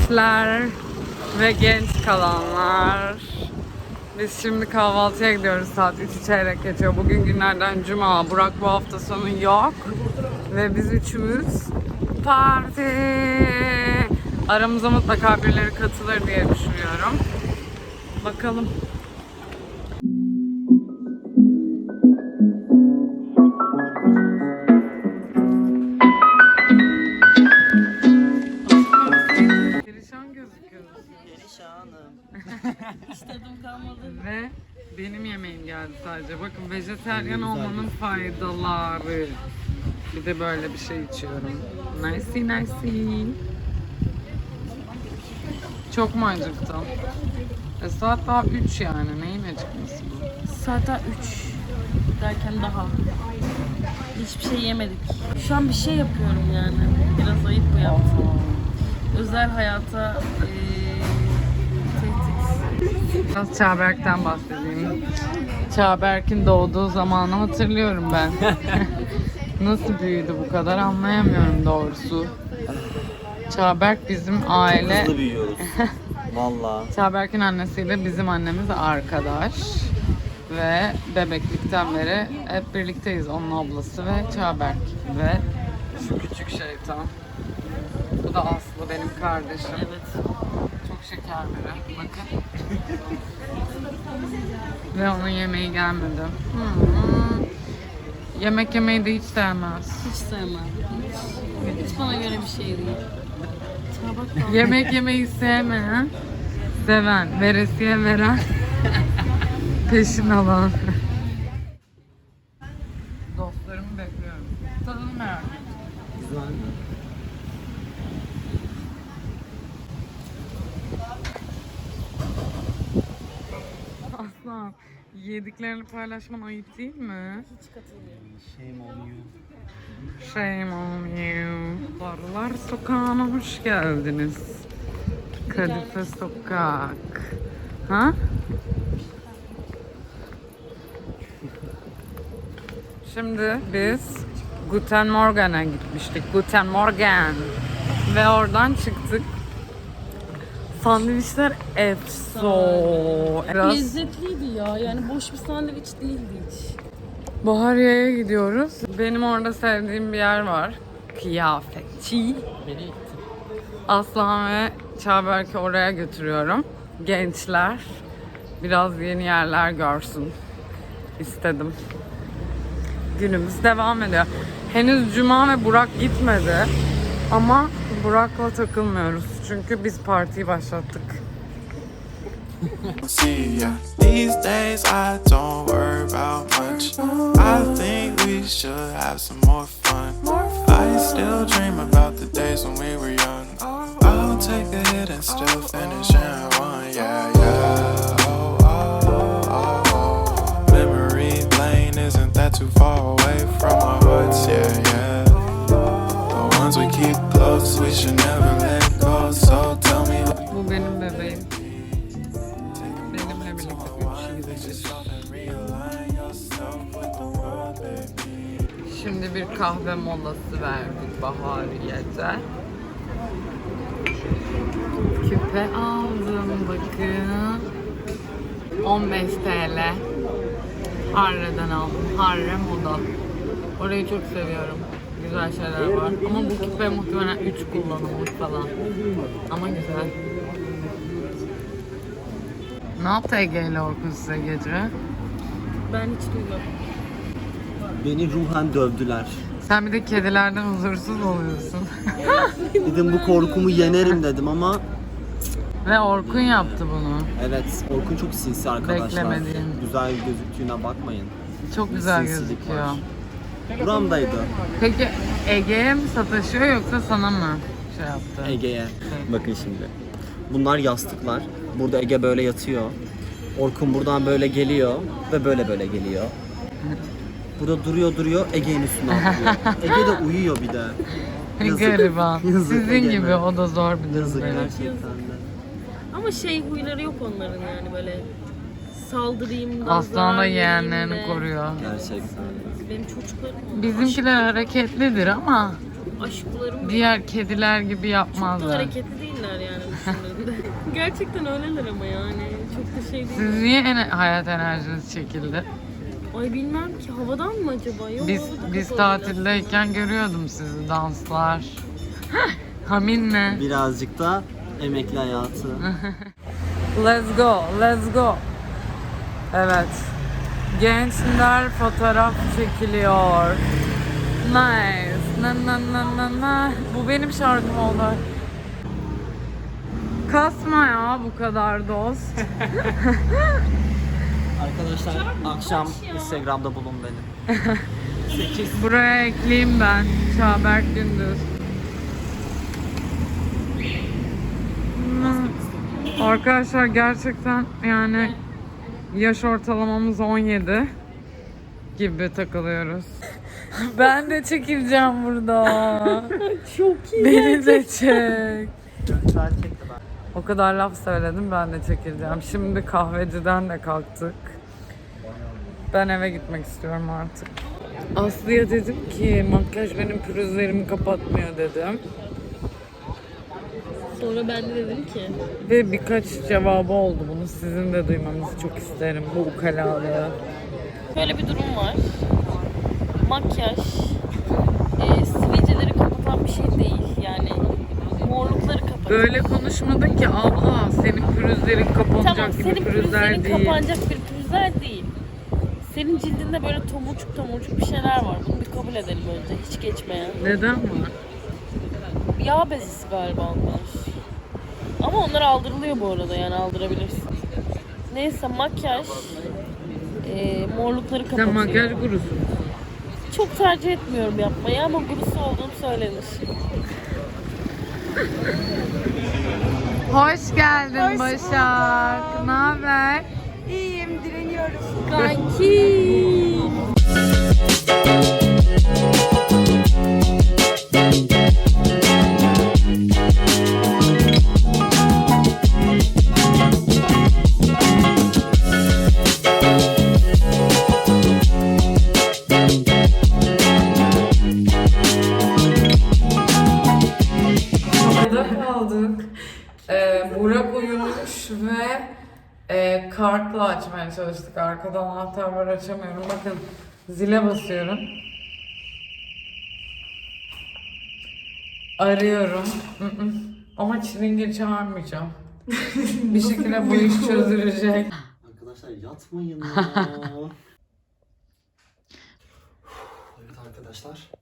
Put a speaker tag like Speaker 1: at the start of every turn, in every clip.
Speaker 1: gençler ve genç kalanlar. Biz şimdi kahvaltıya gidiyoruz. Saat 3'ü çeyrek geçiyor. Bugün günlerden cuma. Burak bu hafta sonu yok. Ve biz üçümüz parti. Aramıza mutlaka birileri katılır diye düşünüyorum. Bakalım. Perişan gözüküyorsun.
Speaker 2: Perişanım. Hiç tadım kalmadı.
Speaker 1: Ve benim yemeğim geldi sadece. Bakın vejetaryen olmanın faydaları. Bir de böyle bir şey içiyorum. Nice. Çok mu acıktım? Saat daha 3 yani. Neyin acıkması bu?
Speaker 2: Saat 3 derken daha. Hiçbir şey yemedik. Şu an bir şey yapıyorum yani. Biraz ayıp bu yaptığım. Özel hayata tehdit.
Speaker 1: Biraz Çağberk'ten bahsedeyim. Çağberk'in doğduğu zamanı hatırlıyorum ben. Nasıl büyüdü bu kadar anlayamıyorum doğrusu. Çağberk bizim aile...
Speaker 3: Hızlı büyüyoruz. Valla.
Speaker 1: Çağberk'in annesiyle bizim annemiz arkadaş. Ve bebeklikten beri hep birlikteyiz. Onun ablası ve Çağberk. Ve şu küçük şeytan. Bu da Aslı benim kardeşim.
Speaker 2: Evet.
Speaker 1: Çok şeker biri. Bakın. Ve onun yemeği gelmedi. Yemek yemeyi de hiç sevmez.
Speaker 2: Hiç sevmem. Hiç bana göre bir şey değil. Çabuk kal.
Speaker 1: Yemek yemeyi sevmeyen, seven, veresiye veren, peşin alan. Dostlarımı bekliyorum. Tadını merak ediyorum.
Speaker 3: Güzel mi?
Speaker 1: Aslan, yediklerini paylaşman ayıp değil mi?
Speaker 2: Hiç katılmıyorum.
Speaker 3: Shame on you.
Speaker 1: Shame on you. Barlar Sokağı'na hoş geldiniz. Kadife Sokak. Ha? Şimdi biz Guten Morgen'a gitmiştik. Guten Morgen. Ve oradan çıktık. Sandviçler efso. Biraz
Speaker 2: Lezzetliydi ya. Yani boş bir sandviç değildi hiç.
Speaker 1: Bahariye'ye gidiyoruz. Benim orada sevdiğim bir yer var. Kıyafetçi.
Speaker 3: Beni itti.
Speaker 1: Aslan ve Çağberk'i oraya götürüyorum. Gençler biraz yeni yerler görsün istedim. Günümüz devam ediyor. Henüz Cuma ve Burak gitmedi. Ama Burak'la takılmıyoruz. Çünkü biz partiyi başlattık.
Speaker 4: See ya. These days I don't worry about much. I think we should have some more fun. I still dream about the days when we were young. I'll take a hit and still finish in one. Yeah. Oh, oh, oh, oh. Memory lane isn't that too far away from our hearts. Yeah. The ones we keep close, we should never let go. So tell me.
Speaker 1: Bu benim bebeğim. Benimle birlikte 3 gideceğiz. Şimdi bir kahve molası verdik Bahariye'de. Küpe aldım bakın. 15 TL. Harre'den aldım. Harre Moda. Orayı çok seviyorum. Güzel şeyler var. Ama bu küpe muhtemelen 3 kullanımlık falan. Ama güzel. Ne yaptı Ege ile Orkun size gece?
Speaker 2: Ben hiç duymadım.
Speaker 3: Beni ruhen dövdüler.
Speaker 1: Sen bir de kedilerden huzursuz oluyorsun.
Speaker 3: Dedim bu korkumu yenerim dedim ama
Speaker 1: Ve Orkun yaptı bunu.
Speaker 3: evet, Orkun çok sinsi arkadaşlar.
Speaker 1: Beklemediğin.
Speaker 3: Güzel gözüktüğüne bakmayın.
Speaker 1: Çok güzel
Speaker 3: Sinsilik
Speaker 1: gözüküyor.
Speaker 3: var. Buramdaydı
Speaker 1: Peki Ege'ye mi sataşıyor yoksa sana mı şey yaptı?
Speaker 3: Ege'ye. Bakın şimdi. Bunlar yastıklar. Burada Ege böyle yatıyor. Orkun buradan böyle geliyor ve böyle geliyor. Burada duruyor Ege'nin üstüne atlıyor. Ege de uyuyor bir de.
Speaker 1: Gariban.
Speaker 3: Yazık
Speaker 1: Sizin
Speaker 3: Ege'me.
Speaker 1: gibi o da zor bir
Speaker 3: Yazık
Speaker 1: durum.
Speaker 3: gerçekten de.
Speaker 2: Ama şey huyları yok onların yani böyle saldırayım da
Speaker 1: Aslan da
Speaker 2: zarar vereyim
Speaker 1: yeğenlerini
Speaker 2: de.
Speaker 1: koruyor.
Speaker 3: Gerçekten.
Speaker 2: Benim çocuklarım
Speaker 1: Bizimkiler hareketlidir ama
Speaker 2: aşklarım.
Speaker 1: Diğer kediler gibi
Speaker 2: Çok da
Speaker 1: yapmazlar.
Speaker 2: hareketli değiller yani düşündüğünde. Gerçekten öyleler ama yani. Çok da şey değil.
Speaker 1: Siz niye hayat enerjiniz çekildi?
Speaker 2: Ay bilmem ki havadan mı acaba? Yok,
Speaker 1: Biz
Speaker 2: havada
Speaker 1: biz
Speaker 2: kapalıylar.
Speaker 1: tatildeyken görüyordum sizi danslar. Haminle.
Speaker 3: Birazcık da emekli hayatı.
Speaker 1: Let's go, let's go. Evet. Gençler fotoğraf çekiliyor. Nice. Na na na na na. Bu benim şarkım oldu. Kasma ya bu kadar dost.
Speaker 3: Arkadaşlar akşam Instagram'da bulun beni.
Speaker 1: Buraya ekleyeyim ben. Çağberk Gündüz. Arkadaşlar gerçekten yani yaş ortalamamız 17 gibi takılıyoruz. Ben de çekileceğim burada.
Speaker 2: Çok iyi.
Speaker 1: Beni de çek.
Speaker 3: Görüntüler çekti ben.
Speaker 1: O kadar laf söyledim, ben de çekileceğim. Şimdi kahveciden de kalktık. Ben eve gitmek istiyorum artık. Aslı'ya dedim ki makyaj benim pürüzlerimi kapatmıyor dedim.
Speaker 2: Sonra ben de dedim ki
Speaker 1: Ve birkaç cevabı oldu. Bunu sizin de duymanızı çok isterim. Bu ukalalığı.
Speaker 2: böyle bir durum var. Makyaj sivilceleri kapatan bir şey değil. Yani morlukları kapatıyor.
Speaker 1: Böyle konuşmadın ki abla, senin pürüzlerin kapanacak
Speaker 2: Tamam,
Speaker 1: gibi
Speaker 2: senin
Speaker 1: pürüzler
Speaker 2: pürüzlerin
Speaker 1: değil.
Speaker 2: kapanacak bir pürüzler değil. Senin cildinde böyle tomurcuk tomurcuk bir şeyler var. Bunu bir kabul edelim önce. Hiç geçmeyen.
Speaker 1: Neden var?
Speaker 2: Yağ bezisi galiba onlar. Ama onlar aldırılıyor bu arada, yani aldırabilirsin. Neyse, makyaj morlukları kapatıyor.
Speaker 1: Sen makyaj gurusun.
Speaker 2: Çok tercih etmiyorum yapmayı ama gurusu olduğum söylenir.
Speaker 1: Hoş geldin Başak. Ne haber?
Speaker 5: İyiyim, direniyoruz.
Speaker 2: Kanki.
Speaker 1: Havada kaldık. Burak uyumuş ve kartla açmaya çalıştık. Arkada anahtar var, açamıyorum. Bakın zile basıyorum. Arıyorum. Ama çilingir çağırmayacağım. Bir şekilde bu iş çözülecek.
Speaker 3: Arkadaşlar yatmayın ya. Evet arkadaşlar.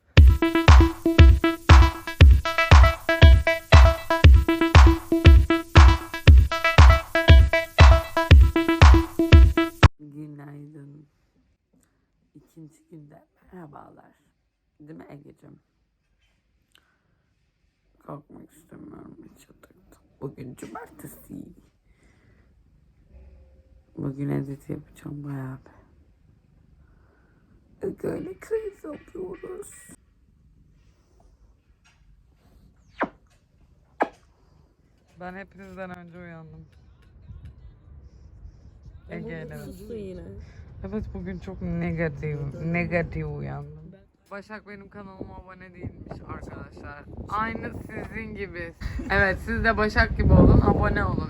Speaker 1: Günaydın. İkinci günde merhabalar. Değil mi Ege'cim? Kalkmak istemiyorum hiç yataktan. Bugün cumartesi. Bugün edit yapacağım bayağı bir. Böyle keyif yapıyoruz. Ben hepinizden önce uyandım. Ege'yle.
Speaker 2: Sustu yine.
Speaker 1: Evet, bugün çok negatif uyandım. Başak benim kanalıma abone değilmiş arkadaşlar. Aynı sizin gibi. Evet, siz de Başak gibi olun, abone olun.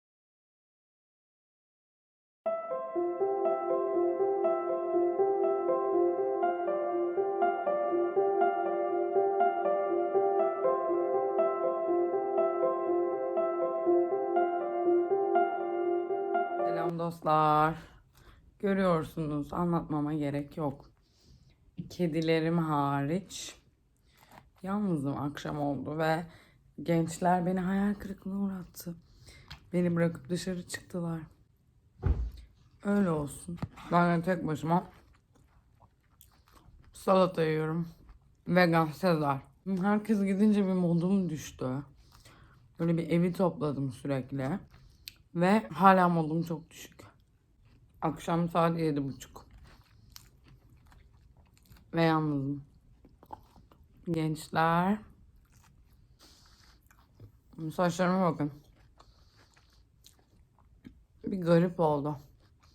Speaker 1: Selam dostlar. Görüyorsunuz, anlatmama gerek yok. Kedilerim hariç yalnızım, akşam oldu ve gençler beni hayal kırıklığına uğrattı. Beni bırakıp dışarı çıktılar. Öyle olsun. Ben de tek başıma salata yiyorum. Vegan Sezar. Herkes gidince bir modum düştü. Böyle bir evi topladım sürekli. Ve hala modum çok düşük. Akşam saat 7:30. Ve yalnızım. Gençler. Saçlarıma bakın. Bir garip oldu.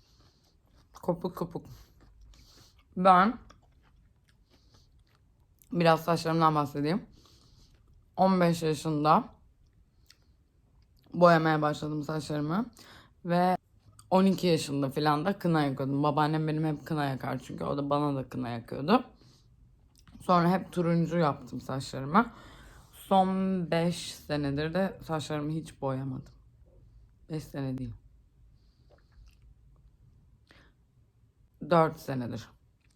Speaker 1: Kopuk kopuk. Ben Biraz saçlarımdan bahsedeyim. 15 yaşında boyamaya başladım saçlarımı. Ve 12 yaşında falan da kına yakıyordum. Babaannem benim hep kına yakar çünkü o da bana da kına yakıyordu. Sonra hep turuncu yaptım saçlarımı. Son 5 senedir de saçlarımı hiç boyamadım. 5 sene değil. 4 senedir.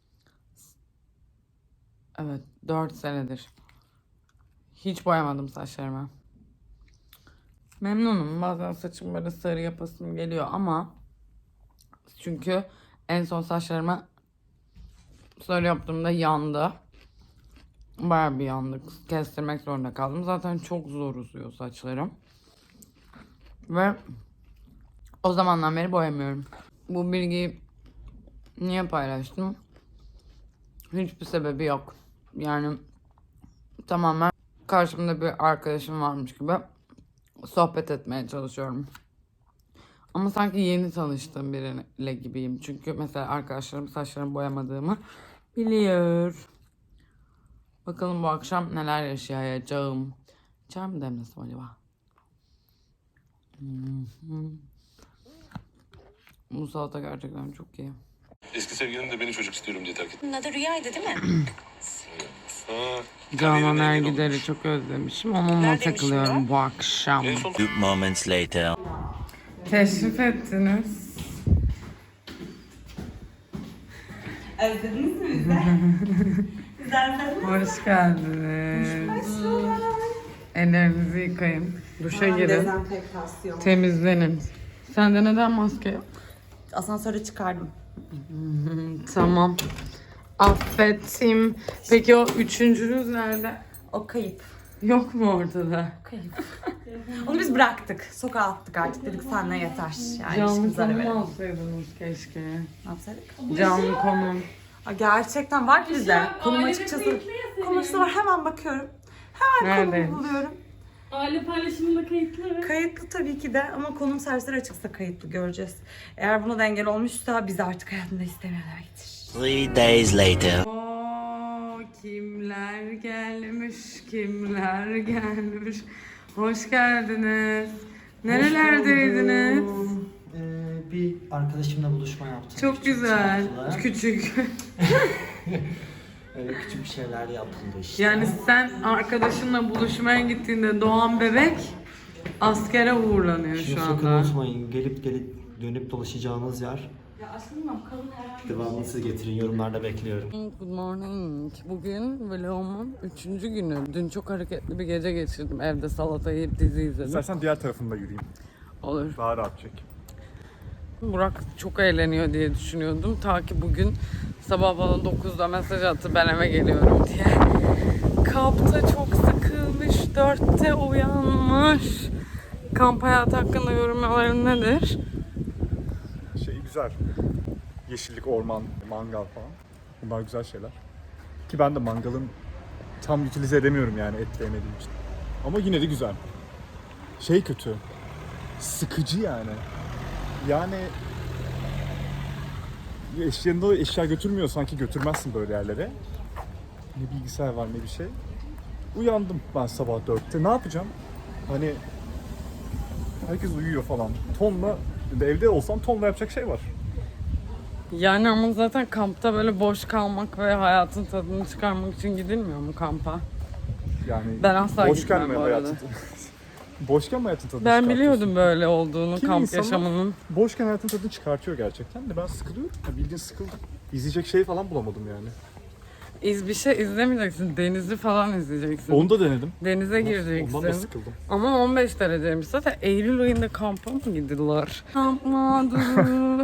Speaker 1: Evet, 4 senedir. Hiç boyamadım saçlarımı. Memnunum. Bazen saçım böyle sarı yapasım geliyor ama çünkü en son saçlarımı sarı yaptığımda yandı. Bayağı bir yandı. Kestirmek zorunda kaldım. Zaten çok zor uzuyor saçlarım. Ve o zamandan beri boyamıyorum. Bu bilgiyi niye paylaştım? Hiçbir sebebi yok. Yani tamamen karşımda bir arkadaşım varmış gibi sohbet etmeye çalışıyorum. Ama sanki yeni tanıştığım biriyle gibiyim. Çünkü mesela arkadaşlarım saçlarımı boyamadığımı biliyor. Bakalım bu akşam neler yaşayacağım. Çay mı demlesem acaba? Bu salata gerçekten çok iyi.
Speaker 6: Eski sevgilim de beni çocuk istiyorum diye terk etti.
Speaker 7: Bunun adı Rüya'ydı değil mi?
Speaker 1: Canan Ergider'i çok özlemişim. Onunla
Speaker 7: Neredeymiş
Speaker 1: takılıyorum
Speaker 7: şimdi
Speaker 1: bu akşam.
Speaker 6: En son
Speaker 8: Moments later.
Speaker 1: Teşrif ettiniz.
Speaker 7: Özlediniz mi bizi?
Speaker 1: Hoş geldiniz. Ellerinizi yıkayın. Duşa girin.
Speaker 7: Dezenfektasyon.
Speaker 1: Temizlenin. Sende neden maske yok?
Speaker 7: Asansöre çıkardım.
Speaker 1: Tamam. Affettim. Peki o üçüncünüz nerede?
Speaker 7: O kayıp.
Speaker 1: Yok mu ortada?
Speaker 7: Onu biz bıraktık. Sokağa attık artık. Dedik senle yeter. Yani
Speaker 1: Canlı
Speaker 7: ilişkimize ara
Speaker 1: konum
Speaker 7: verelim.
Speaker 1: alsaydınız keşke.
Speaker 7: Ne yapsaydık?
Speaker 1: Canlı konum.
Speaker 7: Aa, gerçekten var bizde. Konum açıkçası. Konusu var. Hemen bakıyorum. Hemen
Speaker 1: Nerede?
Speaker 7: konumu buluyorum.
Speaker 2: Aile paylaşımında kayıtlı.
Speaker 7: Kayıtlı tabii ki de ama konum servisleri açıksa kayıtlı göreceğiz. Eğer buna da engel olmuşsa bizi artık hayatında istemiyor demektir.
Speaker 8: 3 days later.
Speaker 1: Oo, kimler gelmiş, kimler gelmiş. Hoş geldiniz. Nerelerdeydiniz?
Speaker 3: Bir arkadaşımla buluşma yaptım.
Speaker 1: Çok
Speaker 3: Küçük
Speaker 1: güzel.
Speaker 3: çaplı.
Speaker 1: Küçük.
Speaker 3: Öyle küçük bir şeyler yapıldı işte.
Speaker 1: Yani sen arkadaşınla buluşmaya gittiğinde doğan bebek askere uğurlanıyor
Speaker 3: Şunu
Speaker 1: şu
Speaker 3: sakın
Speaker 1: anda.
Speaker 3: unutmayın. Gelip dönüp dolaşacağınız yer. Devamını siz getirin. Yorumlarda bekliyorum.
Speaker 1: Good morning. Bugün vlogumun 3. günü. Dün çok hareketli bir gece geçirdim. Evde salata yiyip dizi izledim.
Speaker 6: İstersen diğer tarafında yürüyeyim.
Speaker 1: Olur.
Speaker 6: Daha rahat çek.
Speaker 1: Burak çok eğleniyor diye düşünüyordum. Ta ki bugün sabah bana 9'da mesaj attı ben eve geliyorum diye. Kampta çok sıkılmış, 4'te uyanmış. Kamp hayatı hakkında yorumların nedir?
Speaker 6: Güzel. Yeşillik, orman, mangal falan. Bunlar güzel şeyler. Ki ben de mangalın tam utilize edemiyorum yani et yemediğim için. Ama yine de güzel. Kötü. Sıkıcı yani. Yani yanında eşya götürmüyor sanki götürmezsin böyle yerlere. Ne bilgisayar var ne bir şey. Uyandım ben sabah 4'te. Ne yapacağım? Hani herkes uyuyor falan. Tonla evde olsam tonla yapacak şey var.
Speaker 1: Yani ama zaten kampta böyle boş kalmak ve hayatın tadını çıkarmak için gidilmiyor mu kampa?
Speaker 6: Yani
Speaker 1: Ben asla
Speaker 6: boşken
Speaker 1: gitmem
Speaker 6: mi
Speaker 1: bu arada.
Speaker 6: hayatın boşken mi hayatın tadını
Speaker 1: Ben
Speaker 6: çıkartıyorsun?
Speaker 1: biliyordum böyle olduğunu
Speaker 6: Kimi
Speaker 1: kamp
Speaker 6: insanlar
Speaker 1: yaşamının.
Speaker 6: Boşken hayatın tadını çıkartıyor gerçekten de ben sıkılıyorum. Bildiğin sıkıldım. İzleyecek şey falan bulamadım yani.
Speaker 1: Bir şey izlemeyeceksin. Denizi falan izleyeceksin.
Speaker 6: Onu da denedim.
Speaker 1: Denize gireceksin.
Speaker 6: Ondan da sıkıldım.
Speaker 1: Ama 15 dereceymiş. Zaten Eylül ayında kampa mı gidiyorlar? Kampmadı.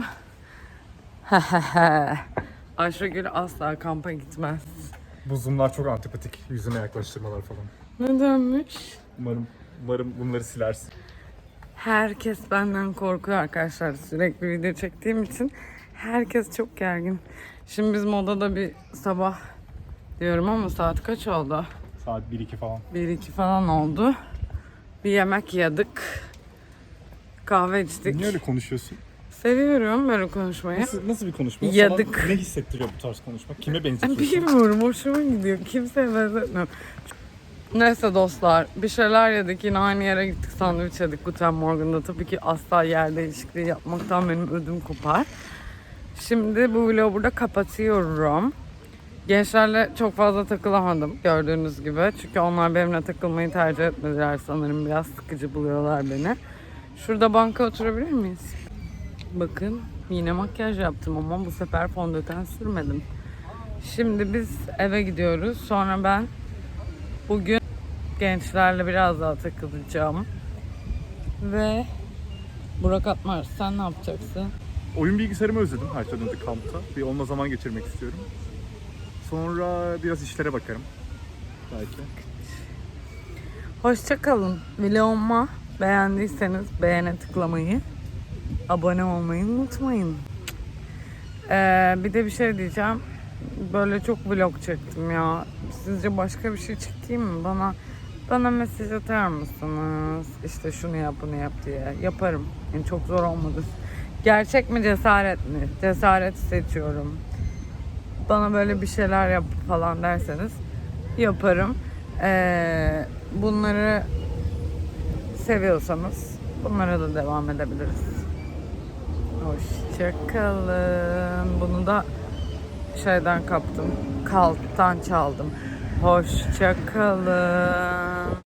Speaker 1: Ayşegül asla kampa gitmez.
Speaker 6: Bu zoomlar çok antipatik. Yüzüne yaklaştırmalar falan.
Speaker 1: Nedenmiş?
Speaker 6: Umarım bunları silersin.
Speaker 1: Herkes benden korkuyor arkadaşlar. Sürekli video çektiğim için herkes çok gergin. Şimdi biz modada bir sabah diyorum ama saat kaç oldu?
Speaker 6: Saat 1-2 falan.
Speaker 1: 1-2 falan oldu. Bir yemek yedik. Kahve içtik.
Speaker 6: Niye öyle konuşuyorsun?
Speaker 1: Seviyorum böyle konuşmayı.
Speaker 6: Nasıl bir konuşma?
Speaker 1: Yadık.
Speaker 6: Sana ne hissettiriyor bu tarz konuşmak? Kime benzetiyorsun?
Speaker 1: Bilmiyorum, hoşuma gidiyor. Kimseye benzetmiyorum. Neyse dostlar, bir şeyler yedik. Yine aynı yere gittik, sandviç yedik Guten Morgen'da. Tabii ki asla yer değişikliği yapmaktan benim ödüm kopar. Şimdi bu vlogu burada kapatıyorum. Gençlerle çok fazla takılamadım gördüğünüz gibi. Çünkü onlar benimle takılmayı tercih etmediler sanırım. Biraz sıkıcı buluyorlar beni. Şurada banka oturabilir miyiz? Bakın yine makyaj yaptım ama bu sefer fondöten sürmedim. Şimdi biz eve gidiyoruz. Sonra ben bugün gençlerle biraz daha takılacağım. Ve Burak Atmar, sen ne yapacaksın?
Speaker 6: Oyun bilgisayarımı özledim her şeyden önce kampta. Bir onunla zaman geçirmek istiyorum. Sonra biraz işlere bakarım. Belki.
Speaker 1: Hoşça kalın. Vloguma beğendiyseniz beğene tıklamayı, abone olmayı unutmayın. Bir de bir şey diyeceğim. Böyle çok vlog çektim ya. Sizce başka bir şey çekeyim mi? Bana mesaj atar mısınız? İşte şunu yap, bunu yap diye. Yaparım. Yani çok zor olmadı. Gerçek mi, cesaret mi? Cesareti seçiyorum. Bana böyle bir şeyler yap falan derseniz yaparım. Bunları seviyorsanız bunlara da devam edebiliriz. Hoşçakalın. Bunu da şeyden kaptım. Kalptan çaldım. Hoşçakalın.